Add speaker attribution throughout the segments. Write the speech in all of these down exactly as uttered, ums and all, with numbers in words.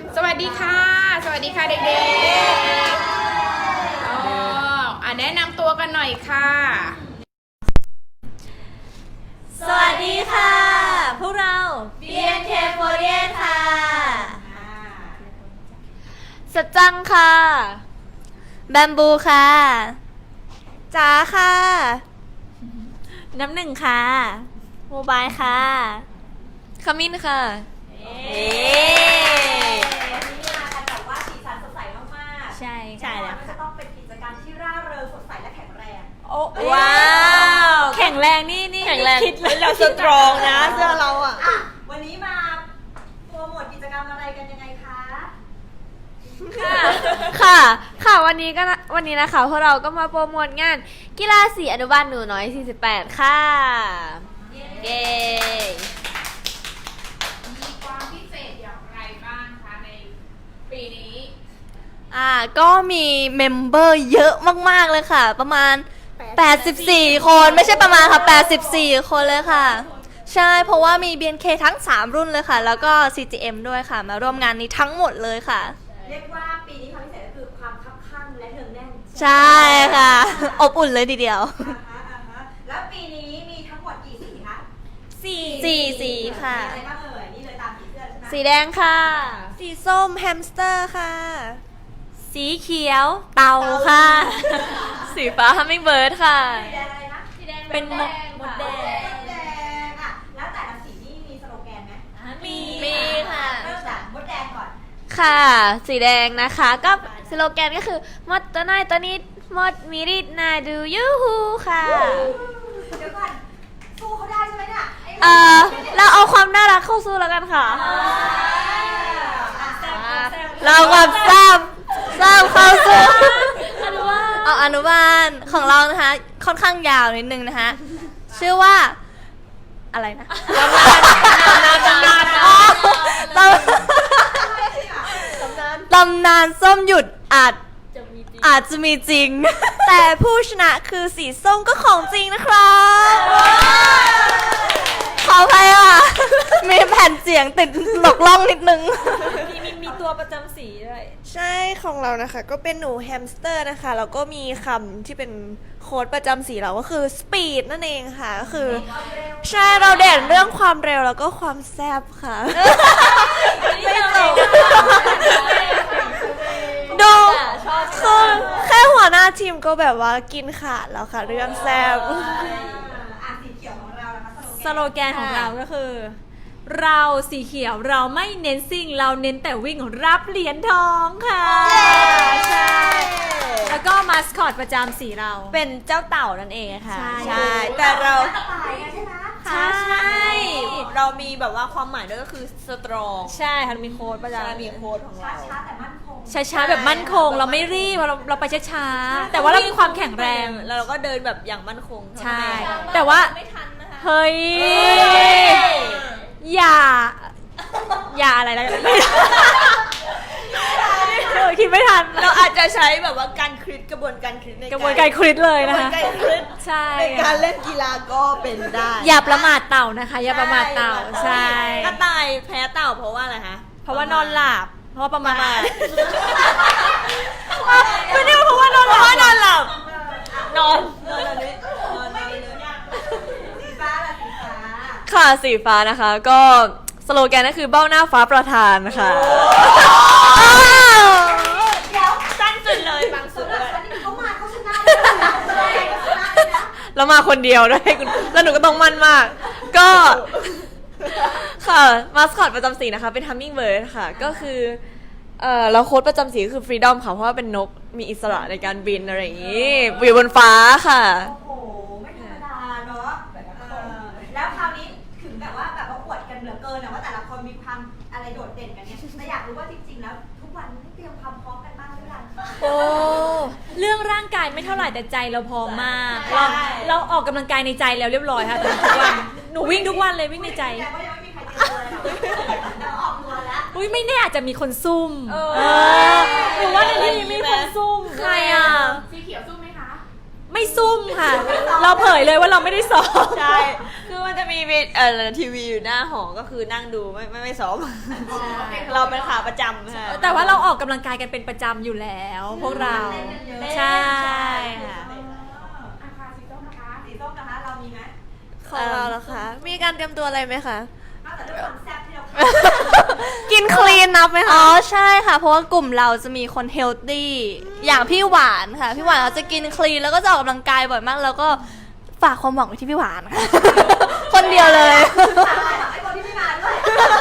Speaker 1: สวัสดีค่ะสวัสดีค่ะเด็กๆอ๋ออ่ะแนะนำตัวกันหน่อยค่ะ
Speaker 2: สวัสดีค่ะพวกเรา บี เอ็น เค โฟร์ตี้เอท ค่ะสัจจังค่ะแบมบูค่ะจ๋าค่ะน้ำหนึ่งค่ะโมบายค่ะขมิ้นค่ะเอ๊
Speaker 3: วันนี้มากันแบบว่าสีสันสดใสมากๆ
Speaker 2: ใช่ใช่แล้วค่ะ
Speaker 3: จะต้องเป็นกิจกรรมที่ร่าเริงสดใสและแข็งแรง
Speaker 2: โอ้ว้าวแข็งแรงนี่นี่แข็งแรงคิดเลยเราสตรองนะเสื้อเราอ่ะ
Speaker 3: อ่ะวันนี้มาโปรโมทกิจกรรมอะไรกันยังไงคะ
Speaker 2: ค่ะค่ะค่ะวันนี้ก็วันนี้นะคะพวกเราก็มาโปรโมทงานกีฬาสีอนุบาลหนูน้อยสี่สิบแปดค่ะเย้
Speaker 1: มีความพิเศษอย่างไรบ้างคะในปีนี้
Speaker 2: อ่าก็มีเมมเบอร์เยอะมากๆเลยค่ะประมาณแปดสิบสี่คนไม่ใช่ประมาณค่ะแปดสิบสี่คนเลยค่ะใช่เพราะว่ามี บี เอ็น เค ทั้งสามรุ่นเลยค่ะแล้วก็ ซี จี เอ็ม ด้วยค่ะมาร่วมงานนี้ทั้งหมดเลยค่ะ
Speaker 3: เรียกว่าปีนี้ความพิเศษก็คือความคับคั่งและเนืองแน่น
Speaker 2: ใช่ค่ะอบอุ่นเลยทีเดียว
Speaker 3: อ่าฮะอ่าฮะแล้วปีนี้มีทั้งหมดกี่สีคะ
Speaker 2: สี่สี่สีค่ะ
Speaker 3: มีอะไรบ้างเอ่ยนี่เลยตามสีเสื้อใช่ไหม
Speaker 2: สีแดงค่ะสีส้มแฮมสเตอร์ค่ะสีเขียวเต่าค่ะสีฟ้าฮัมมิงเบิร์ดค่ะ
Speaker 3: สีแดงอะไรนะสีแดง
Speaker 2: เป็นมดมดแดง
Speaker 3: มดแดงอ่ะแล้วแต่ละสีนี่มีสโลแกนไหม
Speaker 2: มีมีค่ะ
Speaker 3: เริ่มจากมดแดงก่อน
Speaker 2: ค่ะ สีแดงนะคะก็สโลแกนก็คือมดตัวน้อยตัวนี้มดมีริดนาดูยูฮูค่ะ
Speaker 3: เดี๋ยวก่อนสู้เขาได้ใช่ไหมเนี่ยไ
Speaker 2: เออเราเอาความน่ารักเข้าสู้แล้วกันค่ะ เราความแซ่บแซ่บเข้าสู้เอาอนุบาลของเรานะคะค่อนข้างยาวนิดนึงนะคะชื่อว่าอะไรนะตำนานตำนานตำนานตำนานส้มหยุดอาจอาจจะมีจริง แต่ผู้ชนะคือสีส้มก็ของจริงนะครับขออภัยอ่ะมีแผ่นเสียงติดหลอกล่องนิดนึง
Speaker 4: มีมีมีตัวประจำสีด้วย
Speaker 5: ใช่ของเรานะคะก็เป็นหนูแฮมสเตอร์นะคะแล้วก็มีคำที่เป็นโค้ดประจำสีเราก็คือ speed นั่นเองค่ะก็คือใช่เราเด่นเรื่องความเร็วแล้วก็ความแซ่บค่ะไม่จบดูคือแค่หัวหน้าทีมก็แบบว่ากินขาดแล้วค่ะเรื่องแซ่บ
Speaker 3: อ่ะสีเขียวของเรานะคะ
Speaker 4: สโลแกนของเราก็คือ เราสีเขียวเราไม่เน้นซิ่งเราเน้นแต่วิ่งรับเหรียญทองค่ะใช่แล้วก็มาสคอตประจำสีเรา
Speaker 2: เป็นเจ้าเต่านั่นเองค่ะ
Speaker 4: ใช่
Speaker 5: แต่เรา
Speaker 3: ตายไงใช่ไหม
Speaker 4: ใช่ใช่
Speaker 5: เรามีแบบว่าความหมายด้วยก็คือสตรอง
Speaker 4: ใช่ค่ะมีโค้ดประจำ
Speaker 5: มีโค้ดของเรา
Speaker 3: ช้าๆแต่มั่นคง
Speaker 4: ช้าๆแบบมั่นคงเราไม่รีบเราเราไปช้าๆแต่ว่าเรามีความแข็งแรง
Speaker 5: แล้วเราก็เดินแบบอย่างมั่นคง
Speaker 4: ใช่แต่ว่าเฮ้ยอย่า อย่าอะไรแล้วกันเออคิดไม่ทัน
Speaker 5: เราอาจจะใช้แบบว่าการคลิกกระบวนการคลิกใน
Speaker 4: กระบวนการคลิดเลย
Speaker 5: กระ
Speaker 4: นะ
Speaker 5: บวน
Speaker 4: คะ
Speaker 5: การคลิก
Speaker 4: ใช่
Speaker 5: ในการเล่นกีฬาก็เป็นได้
Speaker 4: อย่าประมาทเต่านะคะ อย่าประมาทเต่าใช่
Speaker 5: กระต่ายแพ้เต่าเพราะว่าอะไรคะ
Speaker 4: เพราะว่านอนหลับเพราะว่าประมาท
Speaker 5: ไม่ได้เพราะว่านอนหลับเพราะว่านอนหลับนอนนอนอันนี้นอนนอนเลย
Speaker 3: สีฟ้าล่ะสีฟ้า
Speaker 2: ค่ะสีฟ้านะคะก็สโลแกนก็คือเบ้าหน้าฟ้าประธานค่ะ
Speaker 3: เดี๋ยว
Speaker 5: สั้นสุดเลยบางสุดเลย
Speaker 3: อันนี้เขามาเขาชนะเลยนะเขาชนะเลยนะ
Speaker 2: แล้วมาคนเดียวด้วยคุณแล้วหนูก็ต้องมั่นมาก ก็ค่ะมาสคอตประจำสีนะคะเป็น Hummingbird ค่ะก็คือเอ่อแล้วโค้ดประจำสีก็คือ Freedom ค่ะเพราะว่าเป็นนกมีอิสระในการบินอะไรอย่างนี้อยู่บนฟ้าค่ะ
Speaker 3: โอ้โหไม่ธรรมดาเนาะเออแล้วคราวนี้ถึงแบบว่าแบบว่าอวดกันเหลือเกินนะว่าแต่ละคนมีความอะไรโดดเด่นกันเนี่ยแต่อยากรู้ว่าจริงๆแล้วทุกวันนี้เตรียมความพร้อมกันบ้างหรือยัง
Speaker 4: โอ้เรื่องร่างกายไม่เท่าไหร่แต่ใจเราพร้อมมากเราเราออกกำลังกายในใจแล้วเรียบร้อยค่ะทุกวันหนูวิ่งทุกวันเลยวิ่งในใจ
Speaker 3: แต่ว่ายังไม่มีใครเจอเลยหรอกแล้วออกตัวแล้ว
Speaker 4: อุ้ยไม่แน่อาจจะมีคนซุ่มเออหรือว่าในที่นี้มีคนซุ่ม
Speaker 2: ใครอ่ะ
Speaker 1: สีเขียวสู้ไหมคะ
Speaker 4: ไม่ซุ่มค่ะ เราเผยเลยว่าเราไม่ได้ซ้อม
Speaker 5: ใช่คือวัน
Speaker 6: มันจะมีเวทเอ่อทีวีอยู่หน้าหอก็คือนั่งดูไม่ไม่ไม่ซ้อม เราเป็นขาประจำค่ะ
Speaker 4: แต่ว่าเราออกกำลังกายกันเป็นประจำอยู่แล้ว พวกเรา ใช่ค่ะ
Speaker 3: อาคาสีส้มนะคะสีส้มนะคะเรามีไหม
Speaker 5: ของเราเหรอคะ มีการเตรียมตัวอะไรไหมคะ
Speaker 3: นอกจากด้วยความแซ่บที่เรา
Speaker 5: กินคลีนนับไหม
Speaker 2: อ๋
Speaker 5: คะ
Speaker 2: อใช่ค่ะ เพราะว่ากลุ่มเราจะมีคนเฮลตี้อย่างพี่หวานค่ะ พี่หวานเขาจะกินคลีนแล้วก็จะออกกำลังกายบ่อยมาก แล้วก็ฝากความหวังไว้ที่พี่หวานค่ะ คนเดียวเลย
Speaker 3: ไอ้คนที่ไม่มาด้วย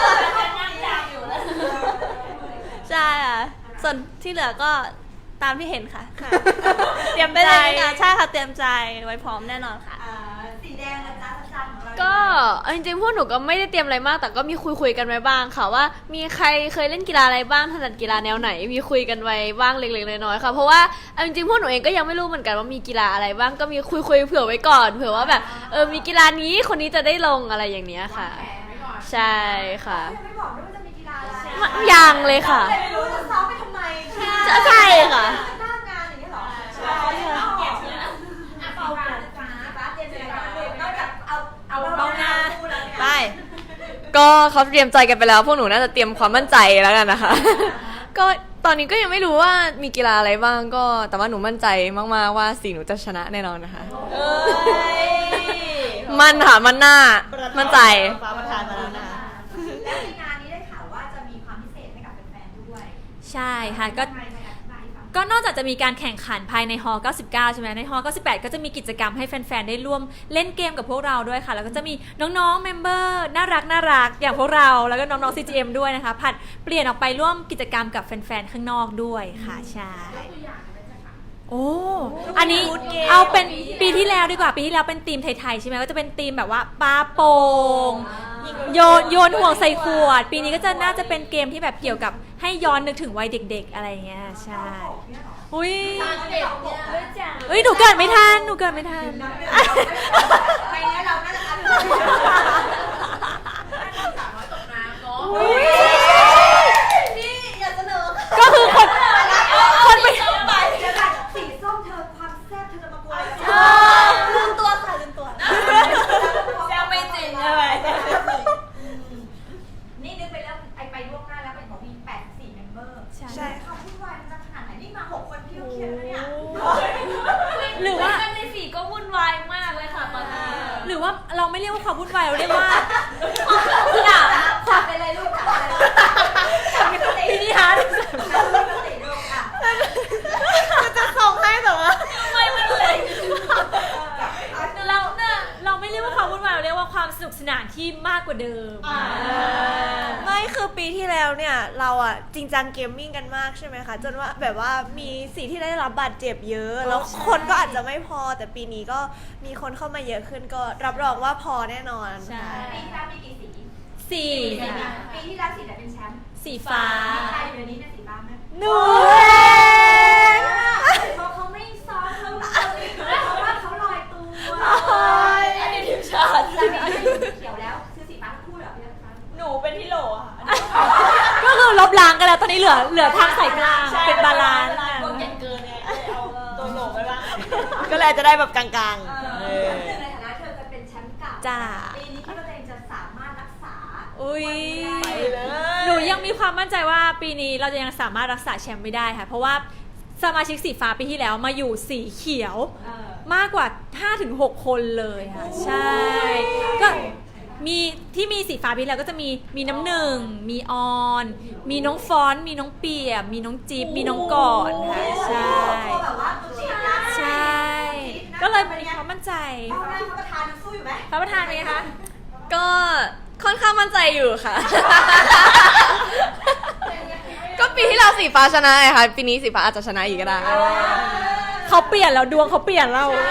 Speaker 2: ใช่ค่ะส่วนที่เหลือก็ตามที่เห็นค่ะ
Speaker 5: เตรียม
Speaker 2: ไป
Speaker 5: ใจ
Speaker 2: เลยค่ะใช่ค่ะเตรียมใจไว้พร้อมแน่นอนค่ะ
Speaker 3: อ่าสีแดงนะจ๊ะสันของเรา
Speaker 6: ก็เอาจริงๆพวกหนูก็ไม่ได้เตรียมอะไรมาก แต่ก็มีคุยคุยๆกันไว้บ้างค่ะว่ามีใครเคยเล่นกีฬาอะไรบ้างถนัดกีฬาแนวไหนมีคุยกันไว้บ้างเล็กๆน้อยๆค่ะเพราะว่าเอาจริงๆพวกหนูเองก็ยังไม่รู้เหมือนกันว่ามีกีฬาอะไรบ้างก็มีคุยคุยๆเผื่อไว้ก่อนเผื่อว่าแบบเออมีกีฬานี้คนนี้จะได้ลงอะไรอย่างเนี้ยค่ะ ใช่ค่ะ
Speaker 3: ยังไม่บอกด้วยว่าจะมีกีฬาอะไร
Speaker 6: ยังเลยค่ะ
Speaker 3: ไม่รู้จะซ้อมไปทำไม
Speaker 6: ใช่ค่ะ
Speaker 3: หน้างานอย่างนี้เหรอใช่ค่ะเก็บเชื้ออ่ะเป่ากันจ้าฟ้าเตรียมใจกันเลยนอกจากเอาเอาเบาหน้าคู่แล้วเนี่ย
Speaker 6: ไปก็เขาเตรียมใจกันไปแล้ว พวกหนูน่าจะเตรียมความมั่นใจแล้วกันนะคะ ก็ตอนนี้ก็ยังไม่รู้ว่ามีกีฬาอะไรบ้างก็แต่ว่าหนูมั่นใจมากๆว่าสีหนูจะชนะแน่นอนนะคะมันค่ะมันหน้ามั่นใจ
Speaker 3: ฟ้าประทานมาแล้วนะและในงานนี้ได้ข่าวว่าจะมีความพิเศษให้กับแฟนๆด้วย
Speaker 4: ใช่ค่ะก็
Speaker 3: ทำไมไม่อธิบายให้ฟัง
Speaker 4: ก็นอกจากจะมีการแข่งขันภายในฮอเก้าสิบเก้าใช่ไหมในฮอเก้าสิบแปดก็จะมีกิจกรรมให้แฟนๆได้ร่วมเล่นเกมกับพวกเราด้วยค่ะแล้วก็จะมีน้องๆเมมเบอร์น่ารักน่ารักอย่างพวกเราแล้วก็น้องๆ ซี จี เอ็ม ด้วยนะคะผัดเปลี่ยนออกไปร่วมกิจกรรมกับแฟนๆข้างนอกด้วยค่ะใช่โอ้อันนี้เอาเป็นปีที่แล้วดีกว่าปีที่แล้วเป็นธีมไทยๆใช่ไหมก็จะเป็นธีมแบบว่าปาโป่งโยนโยนห่วงใส่ขวด ปีนี้ก็จะน่าจะเป็นเกมที่แบบเกี่ยวกับให้ย้อนนึกถึงวัยเด็ก ๆ อะไรอย่างเงี้ยใช่อุ้ยเฮ้ยหนูเกิดไม่ทันหนูเกิดไม่ทัน
Speaker 3: ไปเนี้ยเราน่าจะอัน
Speaker 1: สามร้อยตกน้ำเนาะ
Speaker 3: นี่อย่าเสนอ
Speaker 4: ก็คือคนคนไป
Speaker 3: ไปเดี๋ยวก่อนสีส้มเธอความแซ่บเธอจะมากวนลืมตัวค่ะลืมตัวแซ่บไม่จริงเลยนี่นึกไปแล้วไอไปล่วงหน้าแล้วเป็นของมีแปดสิบสี่เมมเบอร์
Speaker 5: ใช่
Speaker 3: ความวุ่นวายมันจะขนาดไหนนี่มาหกคนพี่ก็เครียดแล้วเนี่ย
Speaker 4: หรือว่า
Speaker 6: ในสีก็วุ่นวายมากเลยค่ะตอนนี้
Speaker 4: หรือว่าเราไม่เรียกว่าความวุ่นวายเราเรียกว่า
Speaker 3: จับจับไปเลยลูกจับไปเลยจับไปเลย
Speaker 4: พินิฮาร์ด
Speaker 3: จับไปเลยลูกอ่ะ
Speaker 5: จะส่งให้แต่ว่า
Speaker 4: เราเนี่ยเราไม่เรียกว่าความวุ่นวายเราเรียกว่าความสนุกสนานที่มากกว่าเดิม
Speaker 5: ไม่คือปีที่แล้วเนี่ยเราอะจริงจังเกมมิ่งกันมากใช่ไหมคะจนว่าแบบว่ามีสีที่ได้รับบาดเจ็บเยอะ แล้วคนก็อาจจะไม่พอแต่ปีนี้ก็มีคนเข้ามาเยอะขึ้นก็รับรองว่าพอแน่นอน
Speaker 4: ใช่
Speaker 3: ปีที่แล้วมีกี่สี
Speaker 4: สี่
Speaker 3: ปีที่แล้วสีไหนเป็นแชมป์
Speaker 4: สีฟ้า
Speaker 3: ใครอยู่ในนี้เนี่ยสีฟ้าไหม
Speaker 5: หนู
Speaker 3: เพราะเขาไม่ซ้อมเขาเลยเพราะว่าเขาลอยตัว
Speaker 6: อันนี้ทีมชาติ
Speaker 3: แต่ไม่ได้สีเขียวแล้วคือสีฟ้าทั้งคู่เหรอพี่ฟ้า
Speaker 6: หนูเป็นที่โหลค่ะ
Speaker 4: ก็คือลบล้างกันแล้วตอนนี้เหลือเหลือทางสายกลางเป็นบาลานซ์
Speaker 6: พวกเก่งเกินไงเอาตัวโหลไปบ้างก็เลยจะได้แบบกลางๆ
Speaker 3: เออในฐานะเธอเคยเป็นแชมป์เก่า
Speaker 4: จ้า
Speaker 3: ปีนี้คิดว่าตัวเองจะสามารถรักษา
Speaker 4: อุ้ย
Speaker 6: ไปเลย
Speaker 4: หนูยังมีความมั่นใจว่าปีนี้เราจะยังสามารถรักษาแชมป์ไม่ได้ค่ะ เพราะว่าสมาชิกสีฟ้าปีที่แล้วมาอยู่สีเขียว มากกว่า ห้าถึงหก คนเลยค่ะ ใช่ ก็มีที่มีสีฟ้าปีแล้วก็จะมีมีน้ำหนึ่ง มีออน มีน้องฟอนต์มีน้องเปียบมีน้องจิ๊บมีน้องกอดค่ะ ใช่
Speaker 3: ตัวแบบว่าตัวจี๊ดนะ
Speaker 4: ใช่ ก็เลยมีความมั่นใจ
Speaker 3: เอาหน้าพระประธานยังสู้อยู่ไหม
Speaker 4: พระประธานเป็นไงคะ
Speaker 6: ก็ค่อนข้างมั่นใจอยู่ค่ะ ก็ปีที่เราสีฟ้าชนะไงคะปีนี้สีฟ้าอาจจะชนะอีกก็ได้
Speaker 4: เขาเปลี่ยนแล้วดวงเขาเปลี่ยนเรา
Speaker 3: อ่ะ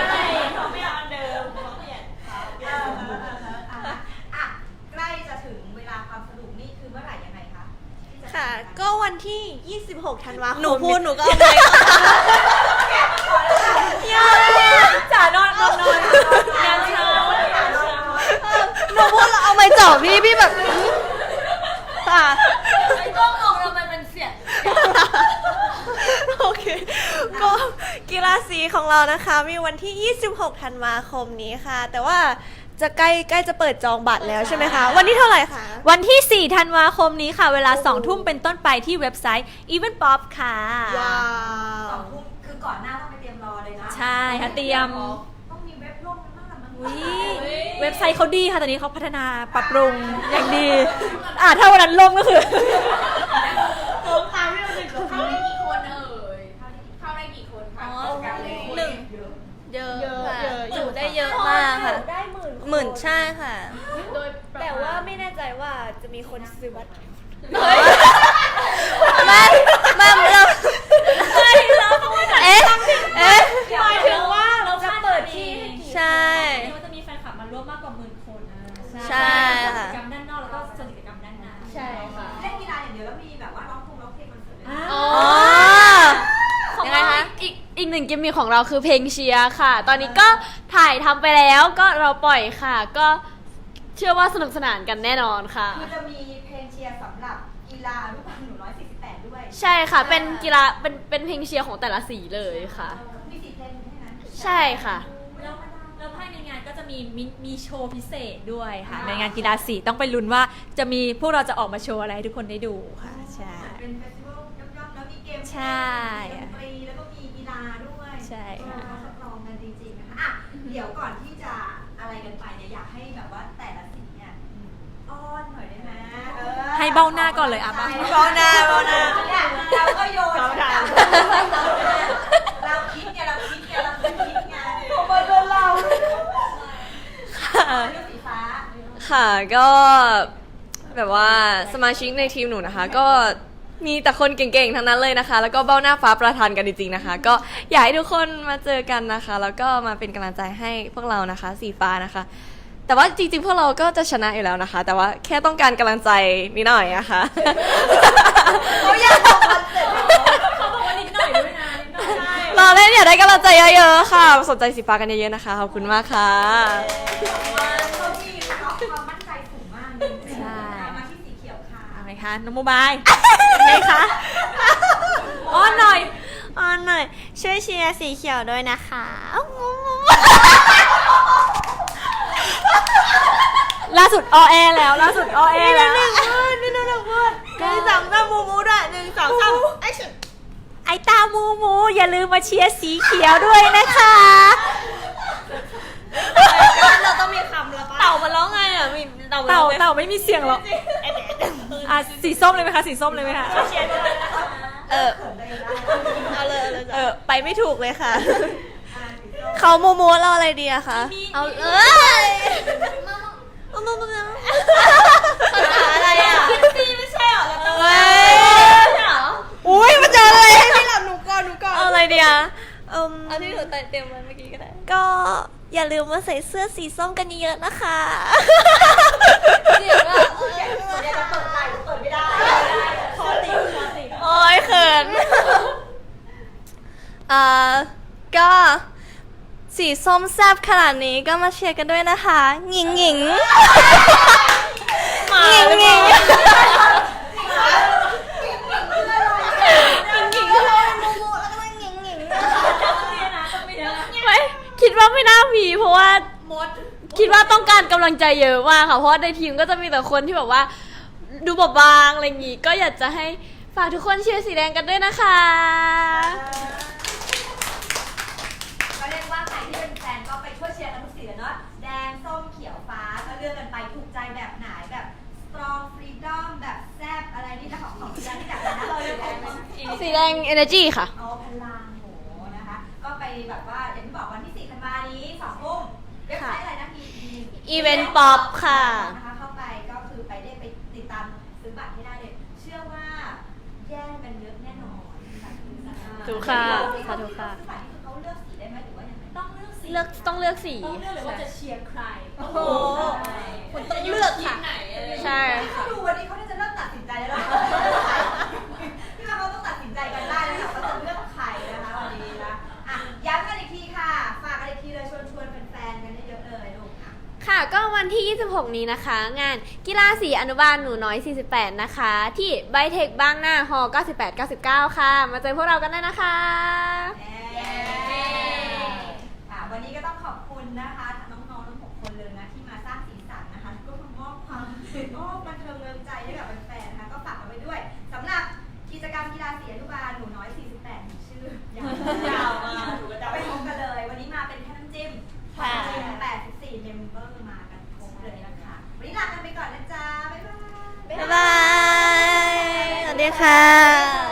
Speaker 3: ใกล้จะถึงเวลาความสนุกนี่คือเมื่อไหร่ยังไงคะที่จะ
Speaker 5: ค่ะ ก็วันที่ ยี่สิบหก ธันวาคม
Speaker 6: หนูพูดหนูก็เอาไป
Speaker 4: จ๋านอนนอนนอนงานเช้า
Speaker 6: หนูพูดแล้วเอาไปจ่อพี่พี่แบบค่ะไอ้กล้องมองเรามันเป็นเสียง
Speaker 5: โอเค ก็กีฬาสีของเรานะคะ มีวันที่ ยี่สิบหก ธันวาคมนี้ค่ะ แต่ว่าจะใกล้ใกล้จะเปิดจองบัตรแล้วใช่ไหมคะ วันที่เท่าไหร่คะ
Speaker 4: วันที่ สี่ ธันวาคมนี้ค่ะ เวลา สอง ทุ่มเป็นต้นไปที่เว็บไซต์ Event Pop ค่ะ
Speaker 5: ว้า
Speaker 3: สอ
Speaker 5: ว
Speaker 3: งทุ่มคือก่อนหน้าต้องไปเตรียมรอเลยนะ
Speaker 4: ใช่ค่ะเตรียม
Speaker 3: ต้องมีเว็บล่มกันบ้างละมั้ง
Speaker 4: อุ๊ยเว็บไซต์เขาดีค่ะ ตอนนี้เขาพัฒนาปรับปรุงอย่างดี อ่าถ้าวันนั้นล่มก็คือ
Speaker 1: เข้าได้กี่คนเอ่ยเข้าได้กี่คนคะกันเลย
Speaker 2: หนึ่ง เยอะค่ะจุได้เยอะมากค่ะ
Speaker 5: ได้หมื่น
Speaker 2: หมื่นใช่ค่ะ
Speaker 5: แต่ว่าไม่แน่ใจว่าจะมีคนซื้อบัตร
Speaker 2: ไม่ไม่เราเอ๊ะเอ๊ะ
Speaker 4: หมายถึงว่าเราจะเปิดที่
Speaker 2: ใช่
Speaker 4: ก็จะมีแฟนคลับมาร่วมมากกว่าหมื่นคนนะ
Speaker 2: ใช่ค่ะ
Speaker 4: กิจกรรมด้านนอกแล้วก็ส่วนกิจกรรมด้านในใช่ค่ะ
Speaker 3: เล่นกีฬาอย่างเดียวแล้วมีแบบว่าร้องเพลงร้องเพลงคอนเสิร์ตด้วยนะ
Speaker 6: อ๋อ
Speaker 2: อ๋อ ยังไงคะ
Speaker 6: อีกอีกหนึ่งกิมมิคของเราคือเพลงเชียร์ค่ะ ตอนนี้ก็ถ่ายทำไปแล้วก็เราปล่อยค่ะ ก็เชื่อว่าสนุกสนานกันแน่นอนค่ะ
Speaker 3: คือจะมีเพลงเชียร์สำหรับกีฬาอนุบาลหนูน้อยสี่สิบแปดด้วย
Speaker 6: ใช่ค่ะ เป็นกีฬาเป็นเป็นเพลงเชียร์ของแต่ละสีเลยค่ะ
Speaker 3: มีสี่เพลงแค่นั้น
Speaker 6: ใช่ค่ะ
Speaker 4: แล้วแล้วภายในงานก็จะมีมีมีโชว์พิเศษด้วยค่ะ ในงานกีฬาสีต้องไปลุ้นว่าจะมีพวกเราจะออกมาโชว์อะไรให้ทุกคนได้ดูค่ะ ใช่
Speaker 3: เป็นเฟสติวัลย่อมๆแล้วมีเกม
Speaker 4: ใช่
Speaker 3: มีดนตรีแล้วก็มีกีฬาด้วย
Speaker 4: ใช่ค่ะ
Speaker 3: เออทดลองกันจริงๆนะคะอ่ะเดี๋ยวก่อนที่จะอะไรกันไปเนี่ยอยากให้แบบว่าแต่ละสีเนี่ยอ้อนหน่อยได้ไหมเออ
Speaker 4: ให้เบ้าหน้าก่อนเลยอ่ะ
Speaker 3: ใช่
Speaker 5: เบ้าหน้าเบ้าหน้า
Speaker 3: เนี่ยเราก็โยน
Speaker 5: เบ้าหน้า
Speaker 3: เราคิดไงเราคิดไงเราคิดไงผมมาโดนเราเรื่องสีฟ้า
Speaker 5: ค่ะก็แบบว่าสมาชิกในทีมหนูนะคะ ก็มีแต่คนเก่งๆทั้งนั้นเลยนะคะ แล้วก็เบ้าหน้าฟ้าประทานกันจริงๆนะคะ ก็อยากให้ทุกคนมาเจอกันนะคะ แล้วก็มาเป็นกำลังใจให้พวกเรานะคะ สีฟ้านะคะ แต่ว่าจริงๆพวกเราก็จะชนะอยู่แล้วนะคะ แต่ว่าแค่ต้องการกำลังใจนิดหน่อยนะคะ
Speaker 3: เขาอยากทำคอนเสิร์ต
Speaker 4: เขาบอกว่านิดหน่อยด้วยนะนิดหน่อยใช่
Speaker 5: เราเล่นอยากได้กำลังใจเยอะๆค่ะ สนใจสีฟ้ากันเยอะๆนะคะ ขอบคุณมากค่ะ
Speaker 3: เขามีความมั่นใจสูงมากเลย
Speaker 4: ใช่
Speaker 3: มาที่สีเขียวค่ะ
Speaker 4: เอาไงคะน้องโมบายไงคะอ้อนหน่อย
Speaker 5: ออนหน่อยช่วยเชียร์สีเขียวด้วยนะคะ
Speaker 4: ล่าสุดออแอแล้วล่าสุดออแอแล้ว
Speaker 5: นี่ดูหนึ่งพูดหนึ่งสองสามมูมูด้วยหนึ่งสองสามไอ้ฉัน
Speaker 4: ไอตามูมูอย่าลืมมาเชียร์สีเขียวด้วยนะคะ
Speaker 5: เราต้องมีคำแล้วปะเต่ามันร้องไงอ่ะมีเต่า
Speaker 4: เต่าเต่าไม่มีเสียงหรอกอ่ะสีส้มเลยไหมคะสีส้มเลยไหมคะ
Speaker 5: เออเอาเลยเอาเลยเออไปไม่ถูกเลยค่ะ เขามูมูเราอะไรดีอะคะ
Speaker 2: เอาเอ้ย
Speaker 5: มูมูมู
Speaker 2: อะไรอ่ะ
Speaker 5: เฮ้ยอุ้ยมาเจอเลยให้พี่หลับหนูก่อนหนูก่อนเอาอะไรดีอะเอืม
Speaker 2: เอาที่หนูเตรียมไว้เมื่อกี้ก็ได้
Speaker 5: ก็อย่าลืมมาใส่เสื้อสีส้มกันเยอะๆนะคะ
Speaker 2: เสียงอ่ะ
Speaker 3: เดี๋ยวจะเปิดไลน์เปิดไม่ได้คอติดคอติด
Speaker 5: โอ้ยเขินอ่าก็สีส้มแซ่บขนาดนี้ก็มาเชียร์กันด้วยนะคะหญิงหญิงหญิงหญิง
Speaker 6: ไม่คิดว่าไม่น่ามีเพราะว่าคิดว่าต้องการกำลังใจเยอะมากค่ะ เพราะว่าในทีมก็จะมีแต่คนที่แบบว่า ดูบอบบางอะไรอย่างงี้ ก็อยากจะให้ฝากทุกคนเชียร์สีแดงกันด้วยนะคะ
Speaker 3: ก็เรียกว่าใครที่เป็นแฟนก็ไปช่วยเชียร์กันทุกสีเลยเนาะแดงส้มเขียวฟ้าก็เลือกกันไปถูกใจแบบไหนแบบ strong freedom แบบแซ่บอะไรนี่นะของของที่ที่แบบนั้นเราเลือกของ
Speaker 6: สีแดง energy ค่ะ
Speaker 3: เอาพลังโหนะคะ ก็ไปแบบว่าอย่างที่บอกวันที่สี่ธันวานี้สองทุ่มเว็บไซต์อะไรนะมี
Speaker 5: Event Pop ค่ะ
Speaker 3: นะคะเข้าไปก็คือไปได้ไปติดตามซื้อบัตรให้ได้เลย เชื่อว่าแย่งกันเยอะแน่นอนบัตรซื้อบัตร
Speaker 6: ถูกค่ะ
Speaker 3: ค่ะ
Speaker 6: ถูกค่ะ
Speaker 3: ซื้อบัตรนี่คือเขาเลือกสีได้ไหมหรือว่ายังไง
Speaker 4: ต้องเลือกสี
Speaker 6: เลือกต้องเลือกสี
Speaker 4: ต้องเลือกเลยว่าจะเชียร์ใคร
Speaker 3: โอ้โห
Speaker 2: คุณต้องเลือกค่ะ
Speaker 6: ใช่
Speaker 3: ถ้าดูวันนี้เขาน่าจะเริ่มตัดสินใจแล้วนะที่ว่าเขาต้องตัดสินใจกันได้แล้วค่ะว่าจะเลือกใครนะคะวันนี้นะอ่ะย้ำกันอีกทีค่ะ ฝากกันอีกทีเลยชวนชวนๆแฟนๆกันเยอะๆเลยลูกอ่ะ
Speaker 6: ค่ะก็วันที่ ยี่สิบหก นี้นะคะ งานกีฬาสีอนุบาลหนูน้อย สี่สิบแปด นะคะ ที่ไบเทคบางหน้าฮอเก้าสิบแปด เก้าสิบเก้า ค่ะ มาเจอพวกเรากันได้นะคะ
Speaker 3: ค่ะวันนี้ก็ต้องขอบคุณนะคะน้องๆทั้งหกคนเลยนะที่มาก็บันเทิงเริงใจให้กับแฟนๆนะคะก็ฝากกันไว้ด้วยสำหรับกิจกรรมกีฬาสีอนุบาลหนูน้อยสี่สิบแปดชื่อยาวยาวมาจะไปพบกันเลย วันนี้มาเป็นแค่น้ำจิ้ม
Speaker 2: ค่ะ
Speaker 3: แปดสิบสี่เมมเบอร์มากันครบเลยนะคะวันนี้ลากันไปก่อนนะจ๊ะบ๊ายบาย
Speaker 2: บ๊ายบาย สวัสดีค่ะ